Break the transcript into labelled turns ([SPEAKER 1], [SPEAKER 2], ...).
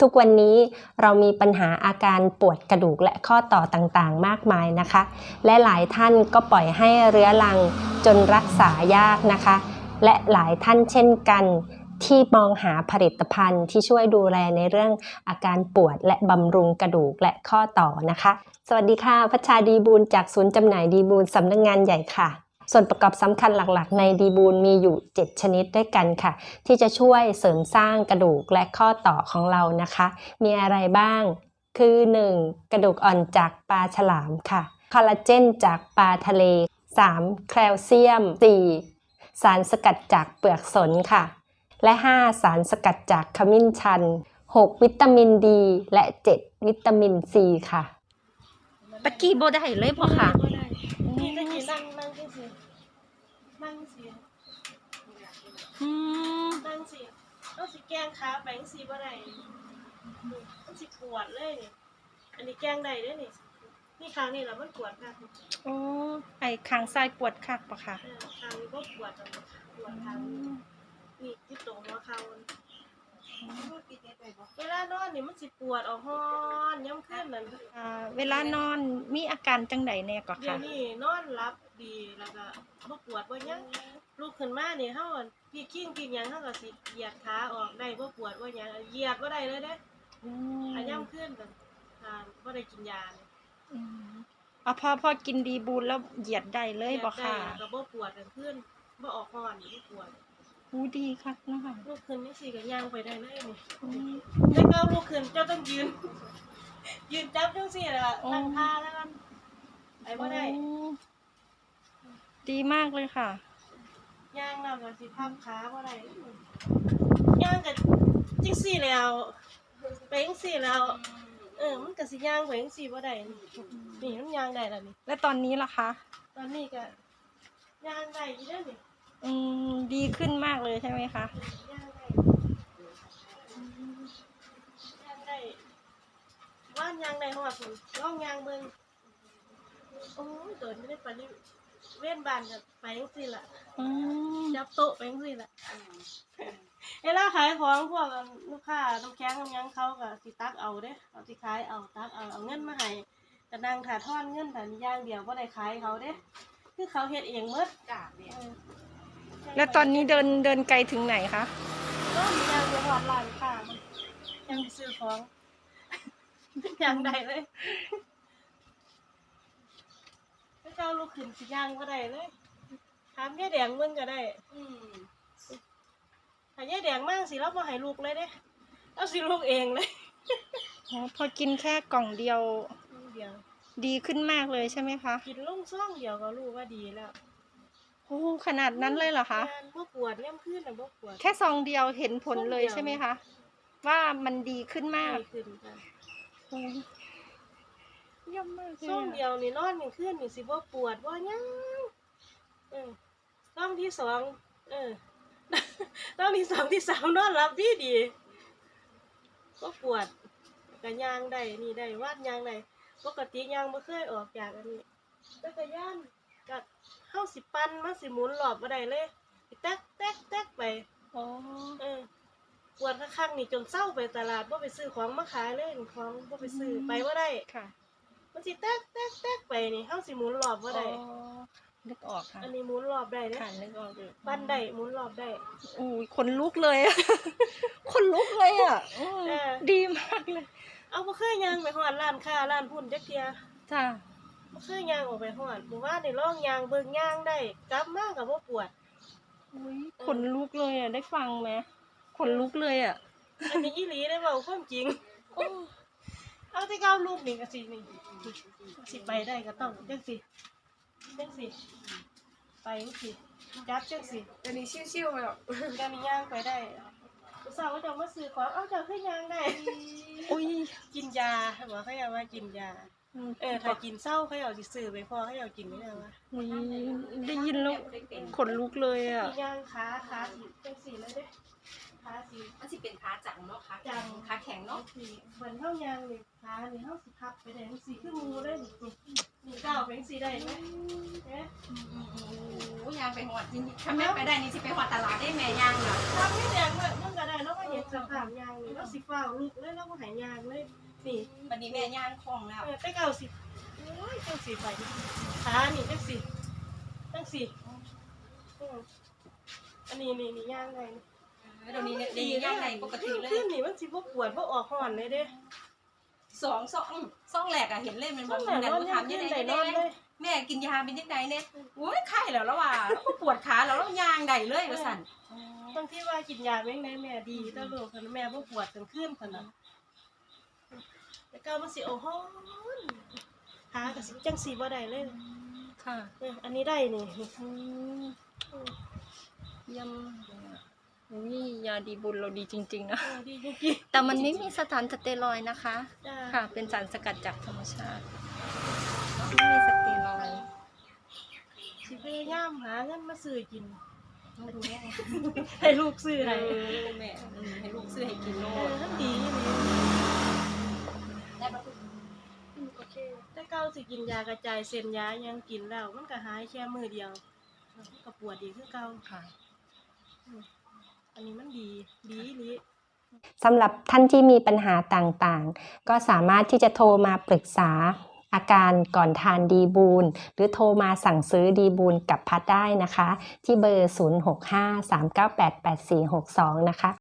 [SPEAKER 1] ทุกวันนี้เรามีปัญหาอาการปวดกระดูกและข้อต่อต่างๆมากมายนะคะและหลายท่านก็ปล่อยให้เรื้อรังจนรักษายากนะคะและหลายท่านเช่นกันที่มองหาผลิตภัณฑ์ที่ช่วยดูแลในเรื่องอาการปวดและบำรุงกระดูกและข้อต่อนะคะสวัสดีค่ะพัชชาดีบูลจากศูนย์จำหน่ายดีบูลสำนักงานใหญ่ค่ะส่วนประกอบสำคัญหลักๆในดีบูลมีอยู่7ชนิดด้วยกันค่ะที่จะช่วยเสริมสร้างกระดูกและข้อต่อของเรานะคะมีอะไรบ้างคือ 1. กระดูกอ่อนจากปลาฉลามค่ะคอลลาเจนจากปลาทะเล 3. แคลเซียม 4. สารสกัดจากเปลือกสนค่ะและ 5. สารสกัดจากขมิ้นชัน 6. วิตามินดีและ 7. วิตามินซีค่ะตะกี้บ่ได้เลยพ่อค่ะ
[SPEAKER 2] นี่ตะกี้นั่งที่สินั่งสินั่งสิต้องสิแกงขาไปสิบ่ได้ต้องสิปวดเลยนี่อันนี้แกงได้เด้อนี่ครั้งนี้แล้วมันปวดค่ะ
[SPEAKER 1] โอ้ไอ้ข้างซ้ายปวดคักปะค่ะ
[SPEAKER 2] ครั้งนี้ก็ปวดจังปวดทางนี่ที่ตรงหัวเข่าเวลานอนนี่มันสิปวดออกฮ้อนย่ำขึ้นนั่น
[SPEAKER 1] เวลานอนมีอาการจังใดแน่ก็ค่ะ
[SPEAKER 2] เดี๋ยวนี้นอนหลับดีแล้วก็บ่ปวดบ่หยังลุกขึ้นมานี่เฮาพี่กิ้งกินหยังเฮาก็สิเหยียดขาออกได้บ่ปวดบ่หยังเหยียดบ่ได้เลยเด้ย่ำขึ้นกันบ่ได้กินยาเลย
[SPEAKER 1] พอกินดีบูลแล้วเหยียดได้เลยบ่ค่ะ
[SPEAKER 2] ก็บ่ปวดกันขึ้นบ่ออกฮ้อนบ่ปวด
[SPEAKER 1] ดีคักนะคะ
[SPEAKER 2] ลุกขึ้นนี่สิก็ย่างไปได้เลยนี่แต่ก็ลุกขึ้นเจ้าต้องยืนจับจังซี่ล่ะนั่งท่าแล้วกันไปบ่ได้
[SPEAKER 1] ดีมากเลยค่ะ
[SPEAKER 2] ย่างแล้วก็สิพับขาบ่ได้ย่างก็จังซี่แล้วไปจังซี่แล้วมันก็สิย่างไปจังซี่บ่ได้นี่มันย่างได้แล้วนี่
[SPEAKER 1] แล้วตอนนี้ล่ะคะ
[SPEAKER 2] ตอนนี้ก็ย่างได้อยู่เด้อนี่
[SPEAKER 1] ดีขึ้นมากเลยใช่ไหมคะ
[SPEAKER 2] ย่างได้ว่านย่างได้ฮอดพุ่นลองย่างเบิ่งโอ้ยตัวนี้ได้ปานนี้เว้นบ้านก็ไปจังซี่ล่ะจับโต๊ะไปจังซี่ล่ะเวลาขายของพวกลูกค้าน้ำแข็งน้ำหยังเขาก็สิตักเอาเด้เอาสิขายเอาตักเอาเงินมาให้ก็นั่งถ่าทอนเงินแต่อย่างเดียวบ่ได้ขายเขาเด้คือเขาเฮ็ดเองหมดจ้ะเนี่ย
[SPEAKER 1] แล้วตอนนี้เดินไกลถึงไหนคะ
[SPEAKER 2] ก็มีย่างไปฮอดร้านค้ายังซื้อของย่างได้เลยถ้าเจ้าลูกขึ้นสิย่างบ่ได้เลยถามยายแดงเบิ่งก็ได้ถ้ายายแดงมาสิเราบ่ให้ลูกเลยเด้เราสิลูกเองเลย
[SPEAKER 1] พอกินแค่กล่องเดียวดีขึ้นมากเลยใช่ไหมคะ
[SPEAKER 2] กินลุ่มซ่องเดียวก็รู้ว่าดีแล้ว
[SPEAKER 1] โอ้ขนาดนั้นเลยเหรอคะ
[SPEAKER 2] บ่ปวดย่ำขึ้นน่ะบ่ปวด
[SPEAKER 1] แค่ซองเดียวเห็นผลเลยใช่ไหมคะว่ามันดีขึ้นมาก
[SPEAKER 2] ดีขึ้นค่ะ
[SPEAKER 1] เยี่ยมมากเลย
[SPEAKER 2] ซองเดียวนี่นอนกลางคืนนี่สิบ่ปวดบ่หยังซองที่2ซองที่2ที่3นอนหลับดีบ่ปวดก็ย่างได้นี่ได้วาดย่างได้ปกติย่างบ่เคยออกจากอันนี้จักรยานก็เฮาสิปั่นมันสิหมุนรอบบ่ได้เลยสิแต๊กไปปวดคักๆนี่จนเซาไปตลาดบ่ไปซื้อของมาขายเลยของบ่ไปซื้อไปบ่ได้
[SPEAKER 1] ค่ะ
[SPEAKER 2] มันสิแต๊กไปนี่เฮาสิหมุนรอบบ่ได้
[SPEAKER 1] นึกออกค่ะ
[SPEAKER 2] อันนี้หมุนรอบได้เด้
[SPEAKER 1] ค่ะนึกออกอยู่
[SPEAKER 2] ปั่นได้หมุนรอบได้
[SPEAKER 1] อุ้ยขนลุกเลยคนลุกเลยอ่ะดีมากเลย
[SPEAKER 2] เอาบ่เคยย่างไปฮอดร้านค้าร้านหุ้นจักเที่ย
[SPEAKER 1] จ้ะ
[SPEAKER 2] บ่เคยย่างออกไปฮอดหมู่บ้านนี่ลองย่างเบิ่งย่างได้กลับมาก็บ่ปวด
[SPEAKER 1] อุ้ยขนลุกเลยอ่ะได้ฟังมั้ยขนลุกเลยอ่ะ
[SPEAKER 2] อันนี้อีหลีได้เว้าความจริงเอาที่ก้าวลูกนี่ก็สินี่สิไปได้ก็ต้องจังสิไปจังสิจับจังสิ
[SPEAKER 3] อันนี้ชิวๆไปหรอก
[SPEAKER 2] ก็มีย่างไปได้สาวจะมาซื้อของเจ้าคือย่างได้
[SPEAKER 1] อุ้ย
[SPEAKER 2] กินยาบอกเขาอยากว่ากินยาถ้ากินเศร้าเขาอยากสิซื้อไปพอเขาอยากกินนี่นะวะ
[SPEAKER 1] ได้ยินแล้วขนลุกเลยอ่ะ
[SPEAKER 2] ย่างขาสีจังสีเลยเด้ขาสี
[SPEAKER 3] มันสิเป็นขาจังเนาะ
[SPEAKER 2] จัง
[SPEAKER 3] ขาแข็งเนาะ
[SPEAKER 2] เหมือนเท่ายางนี่ขานี่เท่าสิพับไปได้ทั้งสี่คือมูได้นี่ก้าวไปทั้งสี่ได้ไหมเนี่ย
[SPEAKER 3] โอ้ยางไปหอดจริงถ้าแม่ไปได้นี่สิไปหอดตลาดได้แม่ยางน่ะ
[SPEAKER 2] ทำไม่แดงเลยมันก็ได้แล้วก็เห็นสภาพยางนี่แล้วสิฟ้าลูกเลยแล้วก็หายยางเลยนี่
[SPEAKER 3] วันนี้แม่ยางคล่องแล้ว
[SPEAKER 2] ไปเก่าสิโอ้ยจังสี่ไปขานี่จังสี่จังสี่อันนี้นี่ยางไง
[SPEAKER 3] เดี๋ยวนี้เนี่ยยางไหนปกติเลย
[SPEAKER 2] ขึ้นนี่มันสิบ่ปวดบ่ออกห่อนเลยเด้
[SPEAKER 3] สองแหลกอะเห็นเล่นมันบอก
[SPEAKER 2] นั่นแหละ
[SPEAKER 3] นั่น
[SPEAKER 2] นอน
[SPEAKER 3] ถามยังไง
[SPEAKER 2] ได้นอนเลย
[SPEAKER 3] แม่กินยาเป็นยังไงเนี่ยโอ้ยไข้แล้วว่ะแล้วก็ปวดขาแล้วยางใดเลยว่าสั่น
[SPEAKER 2] บางทีว่ากินยาแม่งได้แม่ดีแต่ลูกแม่บ่ปวดกลางคืนคั่นน่ะแต่ก็มันสิโอ้โหขาก็สิจังสิบ่ได้เลย
[SPEAKER 3] ค่ะ
[SPEAKER 2] อันนี้ได้นี่
[SPEAKER 4] เยี่ยมนี่ยาดีบุญเราดีจริงๆนะ
[SPEAKER 2] ดีจริง
[SPEAKER 4] แต่มันไม่มีสถานสเตียรอยด์นะคะ
[SPEAKER 2] ๆจ้า
[SPEAKER 4] ค่ะ เป็นสารสกัดจากธรรมชาติไม่มีสเตียรอยด์
[SPEAKER 2] สิพยายามหาเงินมาซื้อกิน
[SPEAKER 3] มาดูแม่
[SPEAKER 2] ให้ลูกซื้อให้
[SPEAKER 3] แม่ให้ลูกซื้อให้กินโลด
[SPEAKER 2] มันดีนี่
[SPEAKER 3] ได้ปะ
[SPEAKER 2] โอเคแต่เก่าสิกินยากระจายเส้นยายังกินแล้วมันก็หายแค่มื้อเดียวมันก็ปวดอีกคือเก่า
[SPEAKER 4] ค่ะ
[SPEAKER 2] อันนี้มันดีนี้
[SPEAKER 1] สำหรับท่านที่มีปัญหาต่างๆ ก็สามารถที่จะโทรมาปรึกษาอาการก่อนทานดีบูลหรือโทรมาสั่งซื้อดีบูลกับพัดได้นะคะ ที่เบอร์ 0653988462 นะคะ